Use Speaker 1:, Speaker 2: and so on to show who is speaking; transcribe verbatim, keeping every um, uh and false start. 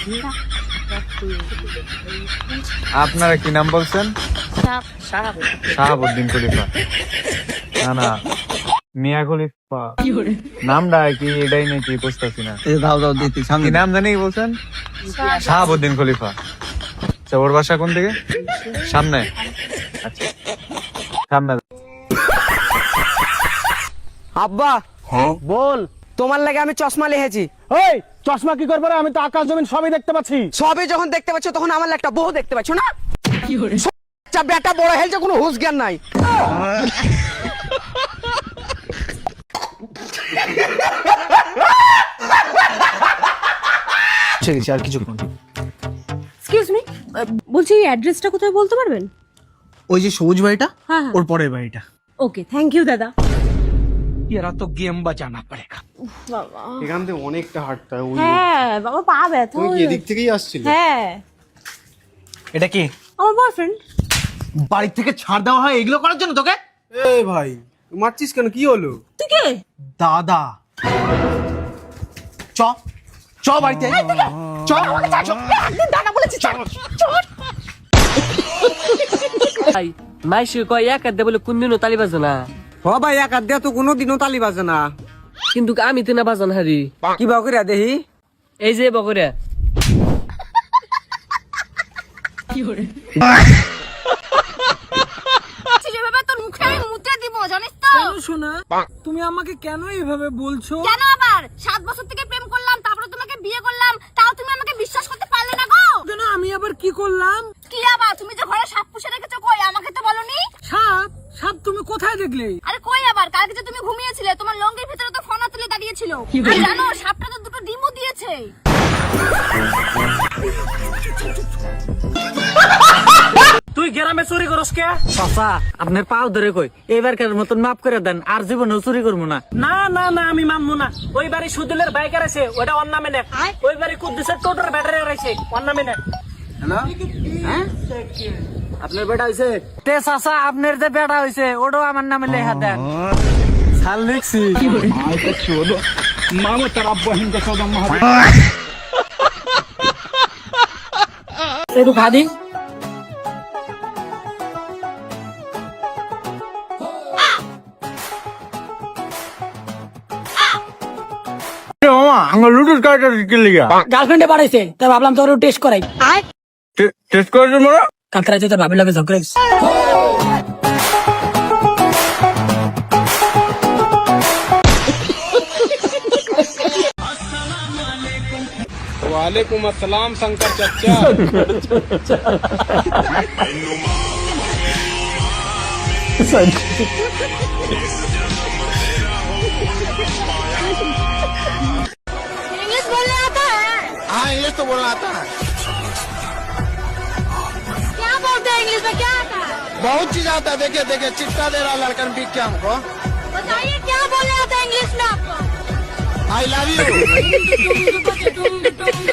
Speaker 1: আপনারা কি নাম বলছেন? শাহাবুদ্দিন খলিফা। না না, মিয়া খলিফা নামটা কি এটাই নাকি বুঝতেছি না।
Speaker 2: দাও দাও দিতে
Speaker 1: কি নাম জানি বলছেন? শাহাবুদ্দিন খলিফা। আচ্ছা, ওর বাসা কোন দিকে? সামনে। আচ্ছা, সামনে।
Speaker 3: আব্বা বল, তোমার লাগে আমি চশমা লিখেছি।
Speaker 4: ওই চশমা কি করবো রে? আমি তো আকাশ জমিন সবই দেখতে পাচ্ছি।
Speaker 3: সবই যখন দেখতে পাচ্ছ তখন আমার একটা বউ দেখতে পাচ্ছ না? আচ্ছা, বেটা বড় হেলছে, কোনো হুঁশ জ্ঞান নাই।
Speaker 4: আর কিছুক্ষণ।
Speaker 5: এক্সকিউজ মি, বলছি এই অ্যাড্রেসটা কোথায় বলতে পারবেন?
Speaker 4: ওই যে সবুজ বাড়িটা,
Speaker 5: হ্যাঁ হ্যাঁ,
Speaker 4: ওর পরের বাড়িটা।
Speaker 5: ওকে, থ্যাংক ইউ দাদা।
Speaker 4: এরা তো গেম বাজানা পড়েগা।
Speaker 5: বাবা,
Speaker 6: এখান থেকে অনেকটা হাঁটতে হয়। ওই
Speaker 5: হ্যাঁ বাবা, পা ব্যথা।
Speaker 6: তুমি কি এদিক থেকেই আসছিলে?
Speaker 5: হ্যাঁ,
Speaker 4: এটা কি?
Speaker 5: আমার বয়ফ্রেন্ড।
Speaker 4: বাড়ি থেকে ছাড় দেওয়া হয় এগুলো করার জন্য তোকে?
Speaker 6: এই ভাই, মারছিস কেন? কি হলো?
Speaker 5: তুই কে?
Speaker 4: দাদা চ চ বাড়িতে চ।
Speaker 3: দাদা বলেছি চল চল।
Speaker 7: মাইসে কয় এক হাত দিয়ে বলে কোনদিনও তালি বাজে না,
Speaker 3: হ ভাই, এক হাত দিয়া তো কোনোদিনও তালি বাজে না।
Speaker 7: কিন্তু আমি তো না বাজান হারি।
Speaker 3: কি বা করে দেখি?
Speaker 7: এই যে বকরিয়া
Speaker 5: যেভাবে তোর মুখে আমি মুতে দিব, জানিস তো?
Speaker 3: শোনা, তুমি আমাকে কেন এইভাবে বলছো?
Speaker 5: কেন আবার? সাত বছর থেকে প্রেম করলাম, তারপরে তোমাকে বিয়ে করলাম, তাও তুমি আমাকে বিশ্বাস করতে পারলে না গো?
Speaker 3: কেন আমি আবার কি করলাম?
Speaker 5: কি আবার? তুমি যে ঘরে সাপ পুষে রেখেছো, কই আমাকে তো বলনি?
Speaker 3: সাপ? সাপ তুমি কোথায় দেখলে?
Speaker 5: আরে কই আবার, কালকে যে তুমি ঘুমিয়েছিলে তোমার লঙ্গির ভিতরে তো ফনা তুলে দাঁড়িয়েছিল। আর জানো, সাপটা তো দুটো ডিমও দিয়েছে।
Speaker 3: তুই গ্রামে চুরি করস কে? চাচা, আপনার পাও ধরে কই, এবারকার মতন মাফ করে দেন, আর জীবনেও চুরি করবো না। না না না, আমি মানবো না। ওই বাড়ি সুদিলের বাইকার আছে, ওটা ওর নামে নেক। ওই বাড়ি কুদ্দুসের টোটোর ব্যাটারি আছে, ওর নামে নেক। আপনার বেটা হইছে? তে চাচা, আপনার যে বেটা হইছে ওটাও আমার নামে লেখা দেন। সাল লিখছি।
Speaker 4: মামা তার আব্বা হিন্দা সদম মহাদেব।
Speaker 3: একটু খাদি।
Speaker 8: গার্লফ্রেন্ডে বাড়াইছে, তাই ভাবলাম তোর টেস্ট করাই।
Speaker 1: টেস্ট করার জন্য
Speaker 8: কালকে রাতে তোর ভাবির লগে ঝগড়া হইছে।
Speaker 6: वालेकुम अस्सलाम शंकर चचा।
Speaker 5: इंग्लिश बोलने आता है?
Speaker 6: हाँ, ये तो बोलना आता है।
Speaker 5: क्या बोलते हैं इंग्लिश में? क्या आता है?
Speaker 6: बहुत चीज आता है। देखिए देखिए, चिट्टा दे रहा लड़कन पीक के हमको।
Speaker 5: बताइए क्या बोलने आता है इंग्लिश में आपको?
Speaker 6: I love you.